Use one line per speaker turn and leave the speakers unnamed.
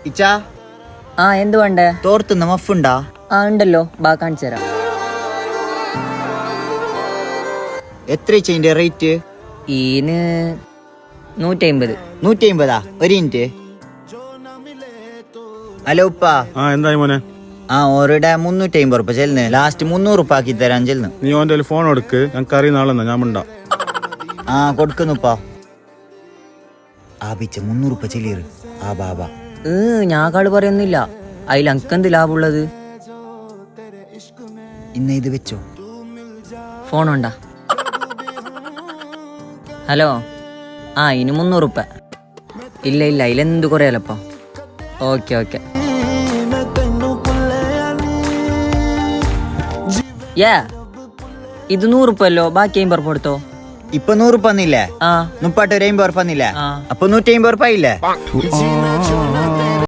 ഇച്ചാ
ആ എന്ത് വേണ്ടേ?
തോർത്തുന്ന മഫുണ്ടാ?
ആ ഉണ്ടല്ലോ, ബാ കാണിച്ചു തരാം.
എത്ര ഇതിന്റെ റേറ്റ്?
ഈന് 150.
150. ഒരു മിനിറ്റ്. ഹലോ ഉപ്പാ.
എന്തായി മോനെ?
ഓരുടെ 350 റുപ്യ ചെല്ലുന്നു. ലാസ്റ്റ് 300 റുപ്യ ആക്കി തരാൻ ചെല്ലുന്നു.
നീ ഓന്റെ ഫോൺ എടുക്ക്, ഞങ്ങൾക്ക് അറിയുന്ന ആളെന്നാ ഞാൻ മിണ്ടാ.
കൊടുക്കുന്നുപ്പാ. ബിച്ച 300 റുപ്യ ചെല്ലിയത്. ബാബാ
ഞാൻ കാട് പറയൊന്നുമില്ല. അതിൽ അനക്കെന്ത് ലാഭമുള്ളത്?
ഇന്ന് ഇത് വെച്ചോ.
ഫോൺ ഉണ്ടാ? ഹലോ. ഇനി 300 റുപ്യ. ഇല്ല അതിലെന്ത് കുറയാലപ്പ. ഓക്കെ. ഇത് 100 റുപ്യ അല്ലോ, ബാക്കി 50 റുപ്യ കൊടുത്തോ.
ഇപ്പൊ 100 റുപ്യ വന്നില്ലേ? 30 ഒരു 50 റുപ്യ വന്നില്ലേ? അപ്പൊ 150 റുപ്യ ഇല്ലേ?